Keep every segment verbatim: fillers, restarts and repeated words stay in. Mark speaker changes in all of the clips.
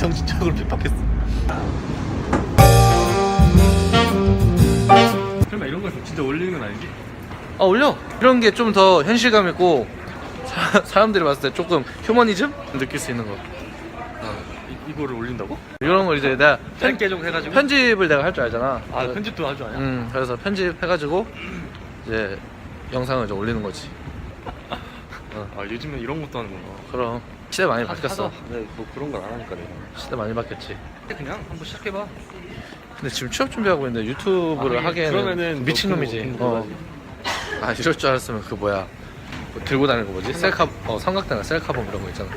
Speaker 1: 정신적으로 핍박했어. 설마 이런 걸 진짜 올리는 건 아니지?
Speaker 2: 아 올려. 이런 게 좀 더 현실감 있고 사, 사람들이 봤을 때 조금 휴머니즘 느낄 수 있는 거.
Speaker 1: 아, 이, 이거를 올린다고?
Speaker 2: 이런 걸 이제 내가
Speaker 1: 짧게 좀 해가지고.
Speaker 2: 편집을 내가 할 줄 알잖아.
Speaker 1: 아 편집도 할 줄 아냐?
Speaker 2: 음 그래서 편집해가지고 이제 영상을 이제 올리는 거지.
Speaker 1: 어. 아 요즘엔 이런 것도 하는구나.
Speaker 2: 그럼 시대 많이
Speaker 1: 하-
Speaker 2: 바뀌었어.
Speaker 1: 하다. 네, 뭐 그런 걸 안 하니까 내가.
Speaker 2: 시대 많이 바뀌었지.
Speaker 1: 그냥 한번 시작해봐.
Speaker 2: 근데 지금 취업 준비하고 있는데 유튜브를
Speaker 1: 아,
Speaker 2: 하기에는
Speaker 1: 그러면은
Speaker 2: 미친놈이지.
Speaker 1: 너
Speaker 2: 어. 아 이럴 줄 알았으면 그 뭐야 뭐 들고 다니는 거 뭐지? 셀카 어 삼각대나 셀카봉 이런 거 있잖아.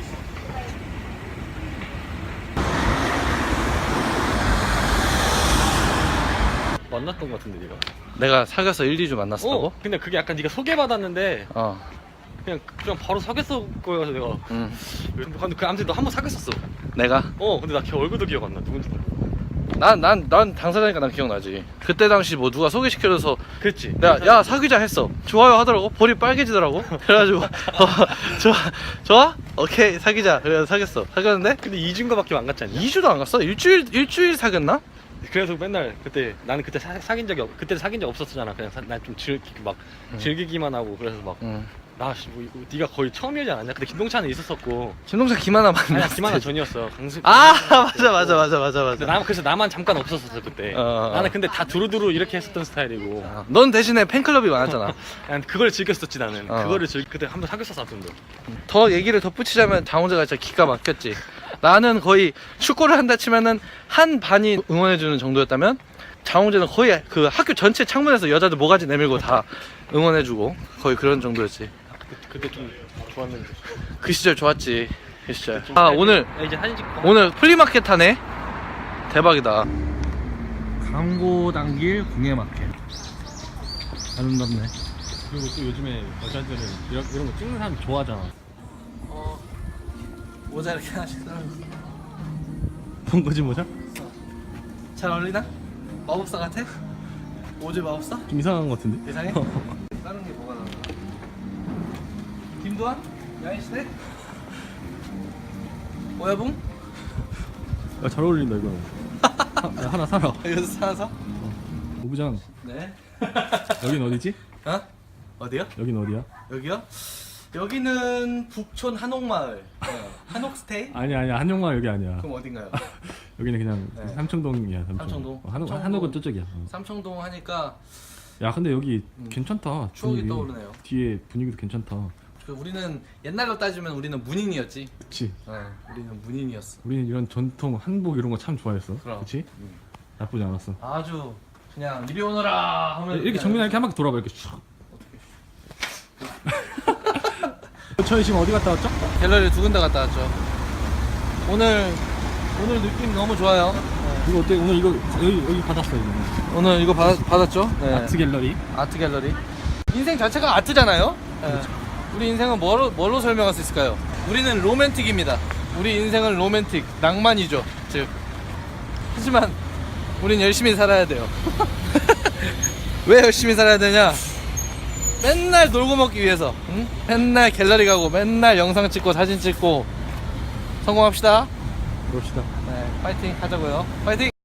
Speaker 1: 만났던 것 같은데 네가.
Speaker 2: 내가 사귀어서 일, 이 주 만났었다고?
Speaker 1: 어. 근데 그게 약간 네가 소개받았는데
Speaker 2: 어.
Speaker 1: 그냥 그냥 바로 사귀었어 거여서 내가.
Speaker 2: 음.
Speaker 1: 근데 그 아무튼 너 한 번 사귀었었어.
Speaker 2: 내가
Speaker 1: 어 근데 나 걔 얼굴도 기억 안 나. 누군지 몰라.
Speaker 2: 난 난 난 당사자니까 난 기억나지. 그때 당시 뭐 누가 소개시켜줘서
Speaker 1: 그랬지.
Speaker 2: 내가 야 사귀자 했어. 좋아요 하더라고. 볼이 빨개지더라고. 그래가지고 어, 좋아 좋아 오케이 사귀자. 그래서 사귀었어. 사귀었는데
Speaker 1: 근데 이준거밖에 안 갔지 않냐?
Speaker 2: 이 주도 안 갔어. 일주일 일주일 사귀었나?
Speaker 1: 그래서 맨날 그때 나는 그때 사, 사귄 적이 없 그때 사귄 적 없었잖아. 그냥 난 좀 즐기 막
Speaker 2: 응.
Speaker 1: 즐기기만 하고 그래서 막
Speaker 2: 응.
Speaker 1: 나 뭐, 이거 네가 거의 처음이지 않았냐? 근데 김동찬은 있었었고.
Speaker 2: 김동찬 김하나 만났어.
Speaker 1: 아니야 김하나 전이었어. 강수.
Speaker 2: 아 맞아 맞아 맞아 맞아
Speaker 1: 근데
Speaker 2: 맞아.
Speaker 1: 나 그래서 나만 잠깐 없었었어 그때.
Speaker 2: 어, 어, 어.
Speaker 1: 나는 근데 다 두루두루 이렇게 했었던 스타일이고.
Speaker 2: 아, 넌 대신에 팬클럽이 많았잖아.
Speaker 1: 난 그걸 즐겼었지 나는.
Speaker 2: 어.
Speaker 1: 그거를 즐 그때 한 번 사귀었었어 아무튼.
Speaker 2: 더 얘기를 덧붙이자면 장훈재가 진짜 기가 막혔지. 나는 거의 축구를 한다 치면은 한 반이 응원해주는 정도였다면 장훈재는 거의 그 학교 전체 창문에서 여자들 모가지 내밀고 다 응원해주고 거의 그런 정도였지.
Speaker 1: 그, 그때 좀 좋았는데.
Speaker 2: 그 시절 좋았지. 그 시절. 아 오늘
Speaker 1: 야, 이제 사진 찍고.
Speaker 2: 오늘 플리마켓 하네. 대박이다. 광고 당길 공예마켓. 아름답네.
Speaker 1: 그리고 또 요즘에 여자들은 이런, 이런 거 찍는 사람 좋아하잖아.
Speaker 2: 어 모자 이렇게 하나씩 따
Speaker 1: 본 거지 모자?
Speaker 2: 잘 어울리나? 마법사 같아? 오즈 마법사?
Speaker 1: 좀 이상한 거 같은데?
Speaker 2: 이상해? 다른 게 뭐가 나오나? 김도환? 야인시대? 오야붕?
Speaker 1: 야, 잘 어울린다 이거. 하, 야, 하나 사라.
Speaker 2: 이거 사서?
Speaker 1: 오부장.
Speaker 2: 네.
Speaker 1: 여긴 어디지?
Speaker 2: 어? 어디요?
Speaker 1: 여긴 어디야?
Speaker 2: 여기요? 여기는 북촌 한옥마을. 네. 한옥스테이?
Speaker 1: 아니야 아니야 한용마을 여기 아니야.
Speaker 2: 그럼 어딘가요?
Speaker 1: 여기는 그냥
Speaker 2: 네.
Speaker 1: 삼청동이야. 삼청.
Speaker 2: 삼청동.
Speaker 1: 어, 한옥
Speaker 2: 삼청동.
Speaker 1: 한옥은 저쪽이야. 어.
Speaker 2: 삼청동 하니까
Speaker 1: 야 근데 여기
Speaker 2: 음.
Speaker 1: 괜찮다.
Speaker 2: 추억이
Speaker 1: 분위기.
Speaker 2: 떠오르네요.
Speaker 1: 뒤에 분위기도 괜찮다.
Speaker 2: 그 우리는 옛날로 따지면 우리는 문인이었지.
Speaker 1: 그치.
Speaker 2: 네, 우리는 문인이었어.
Speaker 1: 우리는 이런 전통 한복 이런 거 참 좋아했어.
Speaker 2: 그럼.
Speaker 1: 그치?
Speaker 2: 음.
Speaker 1: 나쁘지 않았어.
Speaker 2: 아주 그냥 이리 오너라 하면
Speaker 1: 이렇게
Speaker 2: 그냥
Speaker 1: 정민아 이렇게 한 바퀴 돌아봐 이렇게 슉. 저희 지금 어디 갔다 왔죠?
Speaker 2: 갤러리 두 군데 갔다 왔죠. 오늘 오늘 느낌 너무 좋아요.
Speaker 1: 이거 어때? 오늘 이거 여기 여기 받았어 이거.
Speaker 2: 오늘 이거 받, 받았죠? 네.
Speaker 1: 아트 갤러리.
Speaker 2: 아트 갤러리. 인생 자체가 아트잖아요. 네. 우리 인생은 뭐로 뭘로 설명할 수 있을까요? 우리는 로맨틱입니다. 우리 인생은 로맨틱, 낭만이죠. 즉 하지만 우린 열심히 살아야 돼요. 왜 열심히 살아야 되냐? 맨날 놀고 먹기 위해서. 응? 맨날 갤러리 가고 맨날 영상 찍고 사진 찍고 성공합시다.
Speaker 1: 그럽시다.
Speaker 2: 네, 파이팅 하자고요. 파이팅!